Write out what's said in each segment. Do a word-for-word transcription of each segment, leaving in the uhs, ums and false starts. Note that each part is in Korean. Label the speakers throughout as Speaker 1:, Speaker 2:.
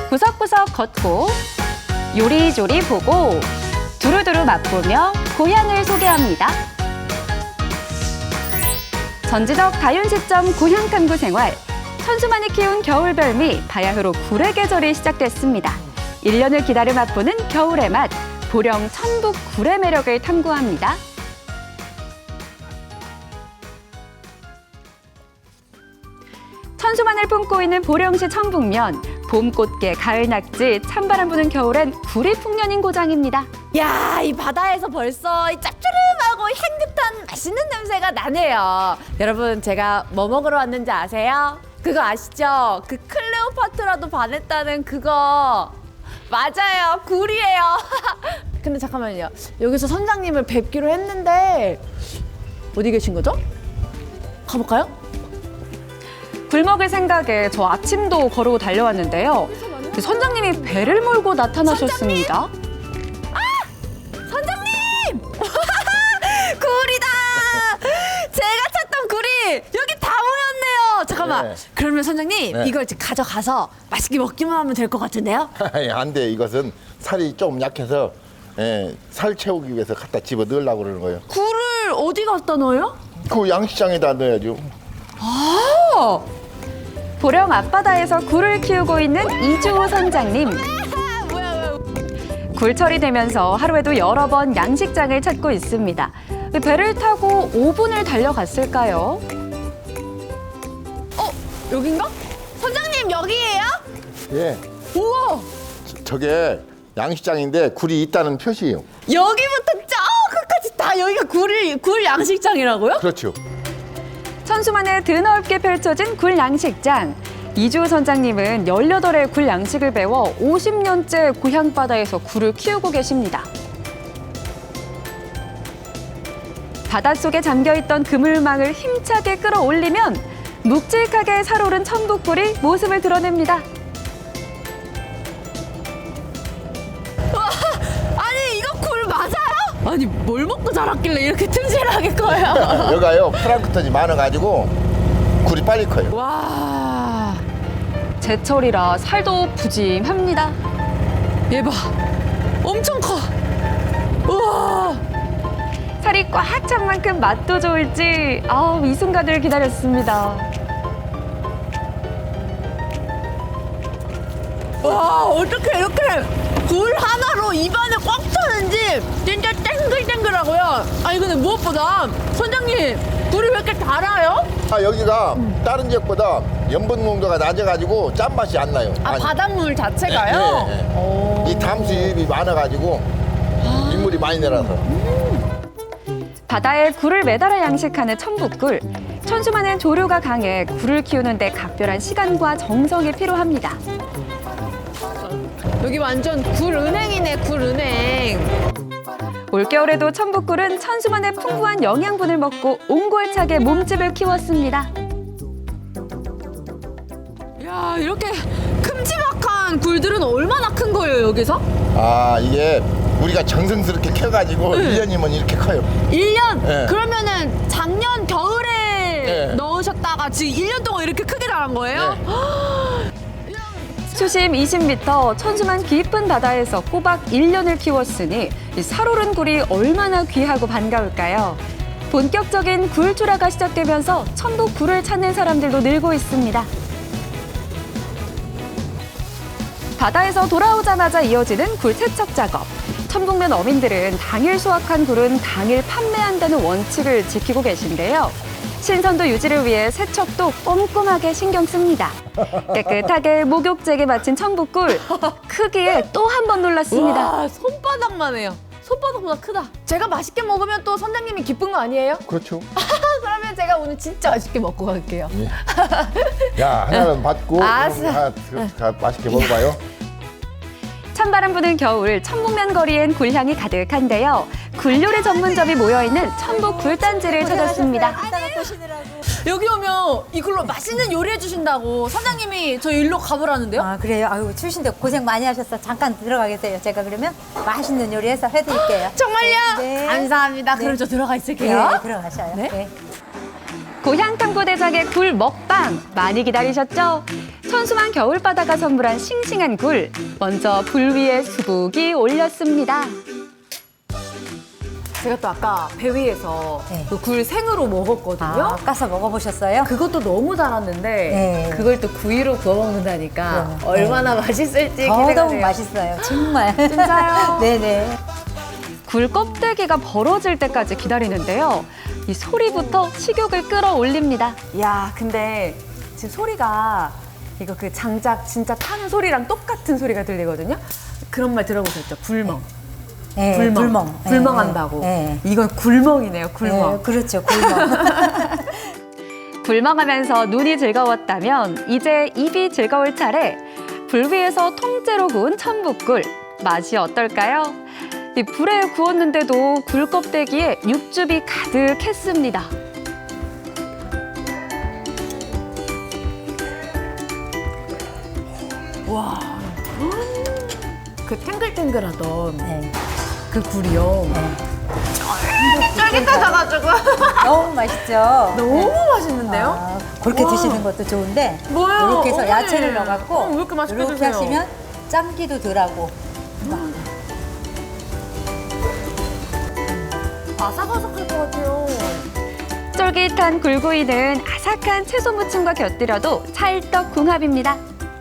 Speaker 1: 구석구석 걷고 요리조리 보고 두루두루 맛보며 고향을 소개합니다. 전지적 다윤시점 고향탐구 생활. 천수만이 키운 겨울별미 바야흐로 굴의 계절이 시작됐습니다. 일 년을 기다려 맛보는 겨울의 맛. 보령 천북 굴의 매력을 탐구합니다. 천수만을 품고 있는 보령시 천북면. 봄꽃게, 가을낙지, 찬바람 부는 겨울엔 굴이 풍년인 고장입니다.
Speaker 2: 야, 이 바다에서 벌써 이 짭조름하고 향긋한 맛있는 냄새가 나네요. 여러분, 제가 뭐 먹으러 왔는지 아세요? 그거 아시죠? 그 클레오파트라도 반했다는 그거. 맞아요, 굴이에요. 근데 잠깐만요. 여기서 선장님을 뵙기로 했는데 어디 계신 거죠? 가볼까요?
Speaker 1: 굴 먹을 생각에 저 아침도 거르고 달려왔는데요. 그 선장님이 배를 몰고 나타나셨습니다.
Speaker 2: 선장님! 굴이다! 제가 찾던 굴이 여기 다 모였네요. 잠깐만.
Speaker 3: 네.
Speaker 2: 그러면 선장님,
Speaker 3: 네.
Speaker 2: 이걸 이제 가져가서 맛있게 먹기만 하면 될 것 같은데요?
Speaker 3: 안 돼. 이것은 살이 좀 약해서 예, 살 채우기 위해서 갖다 집어 넣으려고 그러는 거예요.
Speaker 2: 굴을 어디 갖다 넣어요?
Speaker 3: 그 양식장에다 넣어야죠.
Speaker 2: 아!
Speaker 1: 보령 앞바다에서 굴을 키우고 있는 이주호 선장님.
Speaker 2: 뭐야, 뭐야.
Speaker 1: 굴철이 되면서 하루에도 여러 번 양식장을 찾고 있습니다. 배를 타고 오 분을 달려갔을까요?
Speaker 2: 어? 여긴가? 선장님, 여기예요?
Speaker 3: 예.
Speaker 2: 우와!
Speaker 3: 저- 저게 양식장인데 굴이 있다는 표시예요.
Speaker 2: 여기부터 저 끝까지 다 여기가 굴을, 굴 양식장이라고요?
Speaker 3: 그렇죠.
Speaker 1: 천수만에 드넓게 펼쳐진 굴 양식장. 이주호 선장님은 열여덟 회 굴 양식을 배워 오십 년째 고향 바다에서 굴을 키우고 계십니다. 바닷속에 잠겨있던 그물망을 힘차게 끌어올리면 묵직하게 살오른 천북굴이 모습을 드러냅니다.
Speaker 2: 아니, 이거 굴 맞아요? 아니, 뭘 먹고 자랐길래 이렇게 튼실하게 커요?
Speaker 3: 여가요 플랑크톤이 많아가지고 굴이 빨리 커요.
Speaker 2: 와,
Speaker 1: 제철이라 살도 푸짐합니다.
Speaker 2: 얘 봐. 엄청 커. 우와.
Speaker 1: 살이 꽉 찬 만큼 맛도 좋을지 아우, 이 순간을 기다렸습니다.
Speaker 2: 와, 어떻게 이렇게 굴 하나로 입안에 꽉 차는지 진짜 땡글땡글하고요. 아니, 근데 무엇보다 선장님, 굴이 왜 이렇게 달아요?
Speaker 3: 아, 여기가 다른 지역보다 염분 농도가 낮아가지고 짠맛이 안 나요.
Speaker 2: 아,
Speaker 3: 아니,
Speaker 2: 바닷물 자체가요?
Speaker 3: 예, 예, 예.
Speaker 2: 오.
Speaker 3: 이 담수입이 많아가지고 민물이 많이 내려서.
Speaker 1: 바다에 굴을 매달아 양식하는 천북굴. 천수만은 조류가 강해 굴을 키우는데 각별한 시간과 정성이 필요합니다.
Speaker 2: 여기 완전 굴 은행이네, 굴 은행.
Speaker 1: 올겨울에도 천북굴은 천수만의 풍부한 영양분을 먹고 옹골차게 몸집을 키웠습니다.
Speaker 2: 야, 이렇게 큼지막한 굴들은 얼마나 큰 거예요, 여기서?
Speaker 3: 아, 이게 우리가 정성스럽게 캐가지고
Speaker 2: 네.
Speaker 3: 일 년이면 이렇게 커요.
Speaker 2: 일 년?
Speaker 3: 네.
Speaker 2: 그러면은 작년 겨울에
Speaker 3: 네.
Speaker 2: 넣으셨다가 지금 일 년 동안 이렇게 크게 자란 거예요?
Speaker 1: 수심 이십 미터 천수만 깊은 바다에서 꼬박 일 년을 키웠으니 이 살오른 굴이 얼마나 귀하고 반가울까요? 본격적인 굴 출하가 시작되면서 천북 굴을 찾는 사람들도 늘고 있습니다. 바다에서 돌아오자마자 이어지는 굴 세척 작업. 천북면 어민들은 당일 수확한 굴은 당일 판매한다는 원칙을 지키고 계신데요. 신선도 유지를 위해 세척도 꼼꼼하게 신경 씁니다. 깨끗하게 목욕제게 마친 천북굴. 크기에 또 한 번 놀랐습니다.
Speaker 2: 와, 손바닥만 해요. 손바닥보다 크다. 제가 맛있게 먹으면 또 선장님이 기쁜 거 아니에요?
Speaker 3: 그렇죠.
Speaker 2: 그러면 제가 오늘 진짜 맛있게 먹고 갈게요.
Speaker 3: 야, 하나는 받고
Speaker 2: 알았어.
Speaker 3: 하나 다 맛있게 먹어봐요.
Speaker 1: 찬바람 부는 겨울 천북면 거리엔 굴향이 가득한데요. 굴요리 전문점이 모여있는 천북 굴단지를 찾았습니다.
Speaker 2: 여기 오면 이걸로 맛있는 요리 해주신다고 선장님이 저 일로 가보라는데요?
Speaker 4: 아 그래요? 아유 추우신데 고생 많이 하셨어. 잠깐 들어가 계세요. 제가 그러면 맛있는 요리해서 해드릴게요.
Speaker 2: 정말요?
Speaker 4: 네.
Speaker 2: 감사합니다.
Speaker 4: 네.
Speaker 2: 그럼 저 들어가 있을게요.
Speaker 4: 네, 들어가셔요.
Speaker 2: 네.
Speaker 4: 네.
Speaker 1: 고향 탐구대장의 굴 먹방 많이 기다리셨죠? 천수만 겨울바다가 선물한 싱싱한 굴. 먼저 불 위에 수북이 올렸습니다.
Speaker 2: 제가 또 아까 배 위에서
Speaker 4: 네.
Speaker 2: 그 굴 생으로 먹었거든요.
Speaker 4: 아, 까서 먹어보셨어요?
Speaker 2: 그것도 너무 달았는데
Speaker 4: 네.
Speaker 2: 그걸 또 구이로 구워 먹는다니까
Speaker 4: 그러면,
Speaker 2: 얼마나 맛있을지
Speaker 4: 더더욱
Speaker 2: 기대가
Speaker 4: 맛있어요. 정말.
Speaker 2: 진짜요?
Speaker 4: 네네.
Speaker 1: 굴 껍데기가 벌어질 때까지 기다리는데요. 이 소리부터 식욕을 끌어올립니다.
Speaker 2: 야, 근데 지금 소리가 이거 그 장작 진짜 타는 소리랑 똑같은 소리가 들리거든요. 그런 말 들어보셨죠? 굴멍.
Speaker 4: 네,
Speaker 2: 굴멍.
Speaker 4: 굴멍. 네,
Speaker 2: 굴멍한다고.
Speaker 4: 네.
Speaker 2: 이건 굴멍이네요. 굴멍.
Speaker 4: 네, 그렇죠. 굴멍.
Speaker 1: 굴멍하면서 눈이 즐거웠다면 이제 입이 즐거울 차례. 불 위에서 통째로 구운 천북굴. 맛이 어떨까요? 이 불에 구웠는데도 굴 껍데기에 육즙이 가득했습니다.
Speaker 2: 와. 그 탱글탱글하던
Speaker 4: 네.
Speaker 2: 그 굴이요.
Speaker 4: 네.
Speaker 2: 쫄깃하셔가지고
Speaker 4: 너무 맛있죠?
Speaker 2: 너무 맛있는데요?
Speaker 4: 아, 그렇게
Speaker 2: 와.
Speaker 4: 드시는 것도 좋은데
Speaker 2: 뭐예요?
Speaker 4: 이렇게 해서
Speaker 2: 어머니.
Speaker 4: 야채를 넣어갖고
Speaker 2: 어, 왜 이렇게 맛있게
Speaker 4: 이렇게
Speaker 2: 드세요?
Speaker 4: 하시면 짬기도 덜하고
Speaker 2: 아삭아삭할 것 같아요.
Speaker 1: 쫄깃한 굴구이는 아삭한 채소 무침과 곁들여도 찰떡궁합입니다.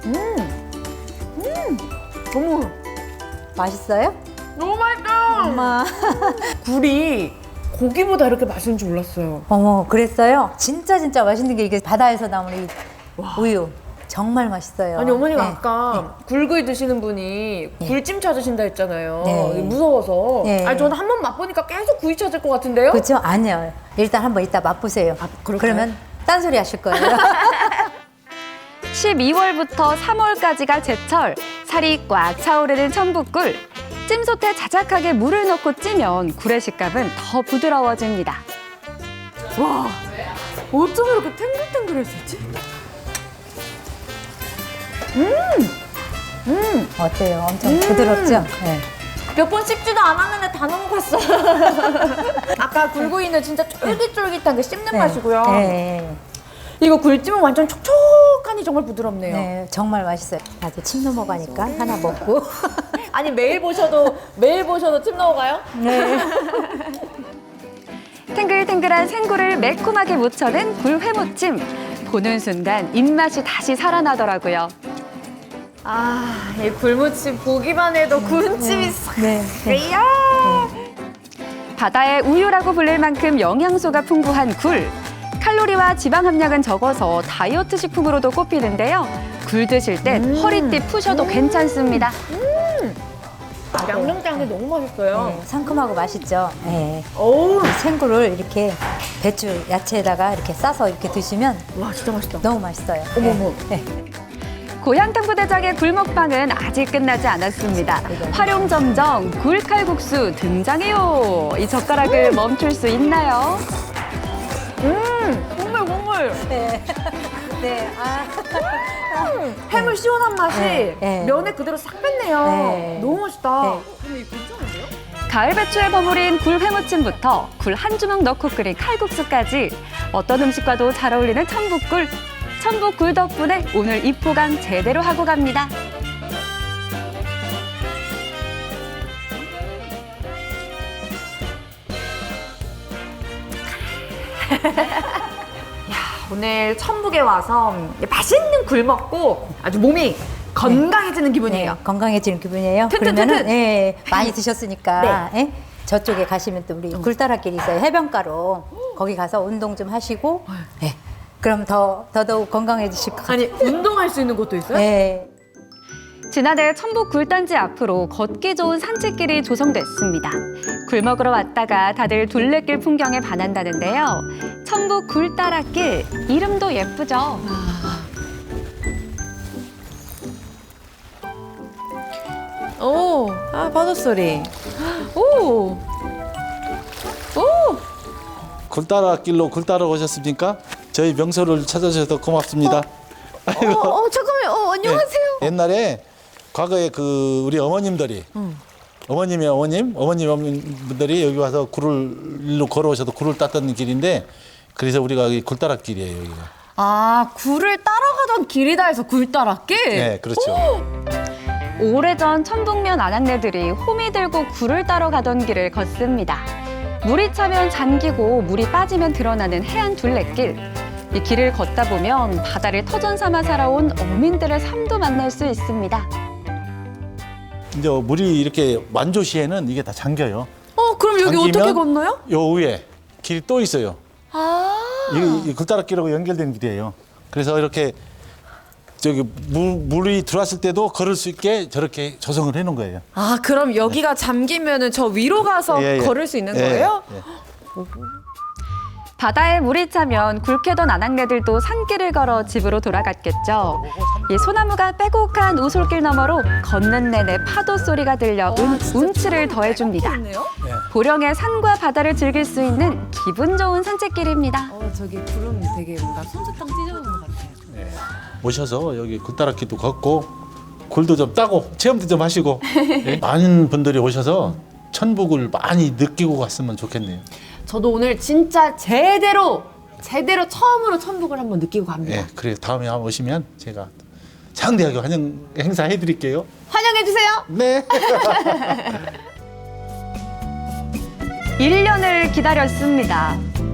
Speaker 2: 너무
Speaker 4: 맛있어요?
Speaker 2: 너무 맛있어요.
Speaker 4: 엄마.
Speaker 2: 굴이 고기보다 이렇게 맛있는 줄 몰랐어요.
Speaker 4: 어머, 그랬어요? 진짜 진짜 맛있는 게 이게 바다에서 나오는 이 우유. 정말 맛있어요.
Speaker 2: 아니 어머니가
Speaker 4: 네.
Speaker 2: 아까 굴구이 드시는 분이 굴찜 찾으신다 했잖아요.
Speaker 4: 네.
Speaker 2: 무서워서.
Speaker 4: 네.
Speaker 2: 아니 저는 한 번 맛보니까 계속 구이 찾을 것 같은데요?
Speaker 4: 그렇죠? 아니요. 일단 한번 이따 맛보세요.
Speaker 2: 그럴까요?
Speaker 4: 그러면 딴소리 하실 거예요.
Speaker 1: 십이월부터 삼월까지가 제철. 살이 꽉 차오르는 천북굴. 찜솥에 자작하게 물을 넣고 찌면 굴의 식감은 더 부드러워집니다.
Speaker 2: 와, 어쩜 이렇게 탱글탱글했었지?
Speaker 4: 어때요? 엄청 부드럽죠? 네.
Speaker 2: 몇 번 씹지도 않았는데 다 넘어갔어. 아까 굴구이는 진짜 쫄깃쫄깃한 게 씹는
Speaker 4: 네.
Speaker 2: 맛이고요.
Speaker 4: 네.
Speaker 2: 이거 굴찜은 완전 촉촉하니 정말 부드럽네요.
Speaker 4: 네, 정말 맛있어요. 나도 침 넘어가니까 하나 먹고.
Speaker 2: 아니 매일 보셔도 매일 보셔도 침 넘어가요?
Speaker 4: 네.
Speaker 1: 탱글탱글한 생굴을 매콤하게 묻혀낸 굴회무침. 보는 순간 입맛이 다시 살아나더라고요.
Speaker 2: 아, 이 굴무침 보기만 해도 군침이 싹.
Speaker 4: 네. 네.
Speaker 2: 이야.
Speaker 1: 바다의 우유라고 불릴 만큼 영양소가 풍부한 굴. 칼로리와 지방 함량은 적어서 다이어트 식품으로도 꼽히는데요. 굴 드실 땐 허리띠 푸셔도 괜찮습니다.
Speaker 2: 양념장이 너무 맛있어요.
Speaker 4: 네, 상큼하고 맛있죠? 네.
Speaker 2: 어우,
Speaker 4: 생굴을 이렇게 배추 야채에다가 이렇게 싸서 이렇게 드시면
Speaker 2: 와 진짜 맛있다.
Speaker 4: 너무 맛있어요.
Speaker 2: 어머머.
Speaker 4: 네.
Speaker 1: 고향 탐구대장의 굴먹방은 아직 끝나지 않았습니다. 활용점정 굴칼국수 등장해요. 이 젓가락을 멈출 수 있나요?
Speaker 2: 음, 국물 국물.
Speaker 4: 네. 네. 아.
Speaker 2: 해물 시원한 맛이
Speaker 4: 네, 네.
Speaker 2: 면에 그대로 싹 뺐네요.
Speaker 4: 네.
Speaker 2: 너무 맛있다.
Speaker 4: 네.
Speaker 2: 근데 이거 괜찮은데요?
Speaker 1: 가을 배추에 버무린 굴 회무침부터 굴 한 주먹 넣고 끓인 칼국수까지 어떤 음식과도 잘 어울리는 천북굴. 천북굴 덕분에 오늘 입포강 제대로 하고 갑니다.
Speaker 2: 오늘 천북에 와서 맛있는 굴 먹고 아주 몸이 건강해지는 기분이에요.
Speaker 4: 네, 건강해지는 기분이에요.
Speaker 2: 튼튼튼튼.
Speaker 4: 그러면은 네, 많이 드셨으니까
Speaker 2: 네.
Speaker 4: 예? 저쪽에 가시면 또 우리 굴따라길 있어요. 해변가로 거기 가서 운동 좀 하시고 예. 그럼 더 더더욱 건강해지실 것 같아요.
Speaker 2: 아니 운동할 수 있는 곳도 있어요?
Speaker 4: 네.
Speaker 1: 지난해 천북 굴단지 앞으로 걷기 좋은 산책길이 조성됐습니다. 굴 먹으러 왔다가 다들 둘레길 풍경에 반한다는데요. 천북 굴따라길, 이름도 예쁘죠?
Speaker 2: 오, 아 바다 소리. 오, 오.
Speaker 5: 굴 따라 길로 굴 따라 오셨습니까? 저희 명소를 찾아주셔서 고맙습니다.
Speaker 2: 어, 어 잠깐만요. 어, 안녕하세요.
Speaker 5: 예, 옛날에 과거에 그 우리 어머님들이 어머님의 어머님, 어머님 어머님분들이 여기 와서 굴을 일로 걸어오셔도 굴을 땄던 길인데 그래서 우리가 이 굴다락길이에요, 여기가.
Speaker 2: 아, 굴을 따라가던 길이다 해서 굴따라길?
Speaker 5: 네, 그렇죠.
Speaker 1: 오래전 천북면 안악내들이 호미 들고 굴을 따러 가던 길을 걷습니다. 물이 차면 잠기고 물이 빠지면 드러나는 해안 둘레길. 이 길을 걷다 보면 바다를 터전 삼아 살아온 어민들의 삶도 만날 수 있습니다.
Speaker 5: 이제 물이 이렇게 만조시에는 이게 다 잠겨요.
Speaker 2: 어, 그럼 여기
Speaker 5: 잠기면
Speaker 2: 어떻게 건너요?
Speaker 5: 요 위에 길이 또 있어요.
Speaker 2: 아.
Speaker 5: 이게 굴다락길하고 연결된 길이에요. 그래서 이렇게 저기 물, 물이 들어왔을 때도 걸을 수 있게 저렇게 조성을 해놓은 거예요.
Speaker 2: 아, 그럼 여기가 잠기면은 저 위로 가서
Speaker 5: 예, 예.
Speaker 2: 걸을 수 있는
Speaker 5: 예,
Speaker 2: 거예요?
Speaker 5: 예.
Speaker 1: 바다에 물이 차면 굴캐던 안악내들도 산길을 걸어 집으로 돌아갔겠죠. 이 소나무가 빼곡한 우솔길 너머로 걷는 내내 파도 소리가 들려 운, 운치를 더해줍니다.
Speaker 2: 좋네요.
Speaker 1: 보령의 산과 바다를 즐길 수 있는 기분 좋은 산책길입니다.
Speaker 2: 어, 저기 구름 되게 뭔가 솜사탕 찢어오는 것 같아요.
Speaker 5: 오셔서 여기 굴다락길도 걷고 굴도 좀 따고 체험도 좀 하시고 예? 많은 분들이 오셔서 천북을 많이 느끼고 갔으면 좋겠네요.
Speaker 2: 저도 오늘 진짜 제대로 제대로 처음으로 천북을 한번 느끼고 갑니다.
Speaker 5: 예, 그래 다음에 한번 오시면 제가 장대하게 환영 행사 해드릴게요.
Speaker 2: 환영해 주세요.
Speaker 5: 네.
Speaker 1: 일 년을 기다렸습니다.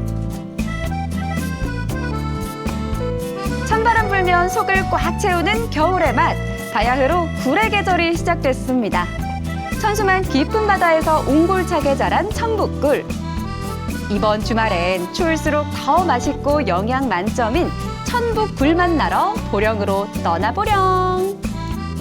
Speaker 1: 찬바람 불면 속을 꽉 채우는 겨울의 맛. 바야흐로 굴의 계절이 시작됐습니다. 천수만 깊은 바다에서 옹골차게 자란 천북굴. 이번 주말엔 추울수록 더 맛있고 영양 만점인 천북 굴 만나러 보령으로 떠나보령.